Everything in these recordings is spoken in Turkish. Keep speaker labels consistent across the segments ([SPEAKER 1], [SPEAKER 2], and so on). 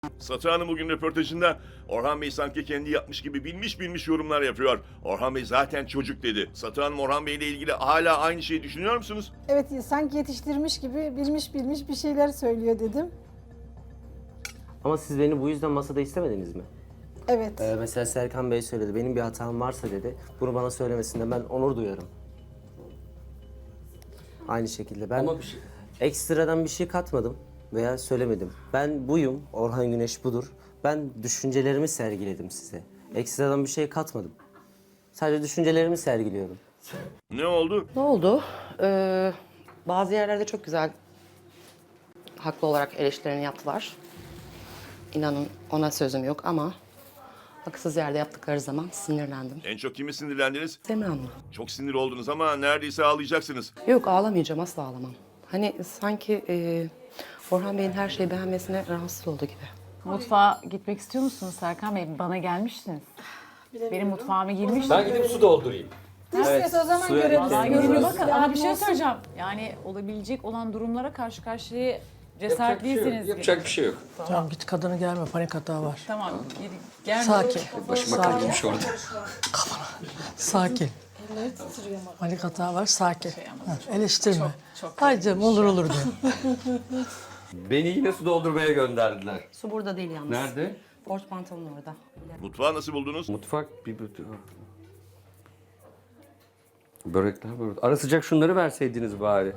[SPEAKER 1] Satı Hanım bugün röportajında Orhan Bey sanki kendi yapmış gibi bilmiş yorumlar yapıyor. Orhan Bey zaten çocuk dedi. Satı Hanım Orhan Bey ile ilgili hala aynı şeyi düşünüyor musunuz?
[SPEAKER 2] Evet, sanki yetiştirmiş gibi bilmiş bir şeyler söylüyor dedim.
[SPEAKER 3] Ama siz beni bu yüzden masada istemediniz mi?
[SPEAKER 2] Evet.
[SPEAKER 3] Mesela Serkan Bey söyledi, benim bir hatam varsa dedi, bunu bana söylemesinde ben onur duyarım. Aynı şekilde ben ekstradan bir şey katmadım veya söylemedim. Ben buyum, Orhan Güneş budur. Ben düşüncelerimi sergiledim size. Ekstradan bir şey katmadım. Sadece düşüncelerimi sergiliyorum.
[SPEAKER 1] Ne oldu?
[SPEAKER 4] Ne oldu? Bazı yerlerde çok güzel haklı olarak eleştirilerini yaptılar. İnanın ona sözüm yok ama haksız yerde yaptıkları zaman sinirlendim.
[SPEAKER 1] En çok kimi sinirlendiniz?
[SPEAKER 4] Semih Hanım'la.
[SPEAKER 1] Çok sinir oldunuz ama neredeyse ağlayacaksınız.
[SPEAKER 4] Yok ağlamayacağım, asla ağlamam. Hani sanki Orhan Bey'in her şeyi beğenmesine rahatsız oldu gibi.
[SPEAKER 5] Mutfağa gitmek istiyor musunuz Serkan Bey? Bana gelmiştiniz. Benim mutfağıma girmiştiniz.
[SPEAKER 6] Ben gidip su doldurayım.
[SPEAKER 2] İstiyorsa o zaman
[SPEAKER 3] suya
[SPEAKER 2] görelim.
[SPEAKER 5] Vallahi
[SPEAKER 3] Görürüz.
[SPEAKER 5] görün bakın ama bir şey
[SPEAKER 2] olsun.
[SPEAKER 5] söyleyeceğim. Yani olabilecek olan durumlara karşı karşıya
[SPEAKER 6] Yapacak bir şey
[SPEAKER 5] cesaretliyseniz.
[SPEAKER 6] yok. Yapacak bir şey yok.
[SPEAKER 7] Tamam git kadını gelme, panik hata var.
[SPEAKER 5] Tamam. Gel.
[SPEAKER 7] Sakin.
[SPEAKER 6] Başıma
[SPEAKER 7] Sakin.
[SPEAKER 6] kalkmış orada.
[SPEAKER 7] Sakin. Panik hata var, sakin. Eleştirme. Haydi canım, olur diyor.
[SPEAKER 6] Beni yine su doldurmaya gönderdiler.
[SPEAKER 4] Su burada değil yalnız.
[SPEAKER 6] Nerede?
[SPEAKER 4] Port pantolon orada.
[SPEAKER 1] Mutfağı nasıl buldunuz?
[SPEAKER 6] Mutfak bir börekler böyle. Ara sıcak şunları verseydiniz bari.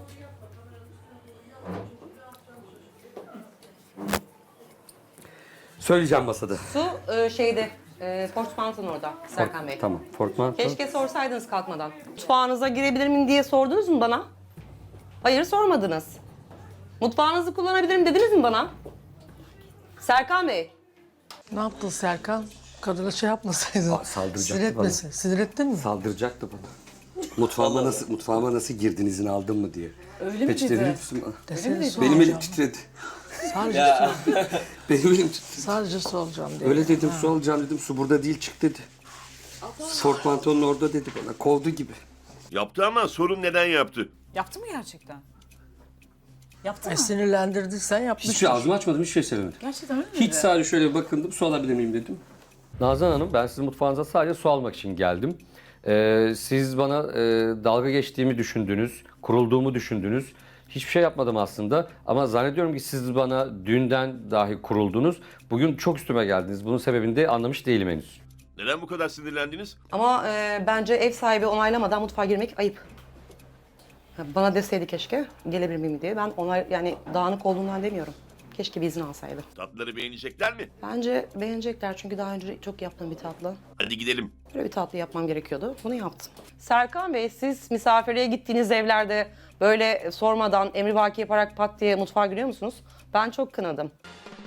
[SPEAKER 6] Söyleyeceğim masada.
[SPEAKER 4] Su şeyde, port pantolon orada Serkan Bey.
[SPEAKER 6] Tamam. Portmanto.
[SPEAKER 4] Keşke sorsaydınız kalkmadan. Mutfağınıza girebilir miyim diye sordunuz mu bana? Hayır, sormadınız. Mutfağınızı kullanabilirim dediniz mi bana? Serkan Bey.
[SPEAKER 7] Ne yaptın Serkan? Kadına şey yapmasaydın.
[SPEAKER 6] Saldıracaktı
[SPEAKER 7] Sinir etmesin. Sinir ettin mi?
[SPEAKER 6] Saldıracaktı bana. Mutfağıma nasıl girdin, izin aldın mı diye.
[SPEAKER 5] Öyle mi
[SPEAKER 6] Peçete
[SPEAKER 5] dedi?
[SPEAKER 6] verir misin bana?
[SPEAKER 7] Desene
[SPEAKER 6] Benim elim titredi.
[SPEAKER 7] Sadece,
[SPEAKER 6] Benim elim titredi.
[SPEAKER 7] sadece soracağım diye.
[SPEAKER 6] Öyle dedim, su alacağım dedim. Su burada değil, çık dedi. Portmantonun orada dedi bana. Kovdu gibi.
[SPEAKER 1] Yaptı ama sorun neden yaptı?
[SPEAKER 5] Yaptı mı gerçekten? Yaptı mı?
[SPEAKER 7] Sinirlendirdiysen yapmışsın.
[SPEAKER 6] Hiçbir ağzımı açmadım, hiçbir şey söylemedim.
[SPEAKER 5] Gerçekten öyle mi?
[SPEAKER 6] Hiç sadece şöyle bakındım, su alabilir miyim dedim. Nazan Hanım, ben sizin mutfağınıza sadece su almak için geldim. Siz bana dalga geçtiğimi düşündünüz, kurulduğumu düşündünüz. Hiçbir şey yapmadım aslında ama zannediyorum ki siz bana dünden dahi kuruldunuz. Bugün çok üstüme geldiniz. Bunun sebebini de anlamış değilim henüz.
[SPEAKER 1] Neden bu kadar sinirlendiniz?
[SPEAKER 4] Ama bence ev sahibi onaylamadan mutfağa girmek ayıp. Bana deseydi keşke gelebilir miyim diye. Ben yani dağınık olduğundan demiyorum. Keşke bir izin alsaydı.
[SPEAKER 1] Tatlıları beğenecekler mi?
[SPEAKER 4] Bence beğenecekler çünkü daha önce çok yaptığım bir tatlı.
[SPEAKER 1] Hadi gidelim.
[SPEAKER 4] Böyle bir tatlı yapmam gerekiyordu. Bunu yaptım. Serkan Bey, siz misafirliğe gittiğiniz evlerde böyle sormadan emrivaki yaparak pat diye mutfağa giriyor musunuz? Ben çok kınadım.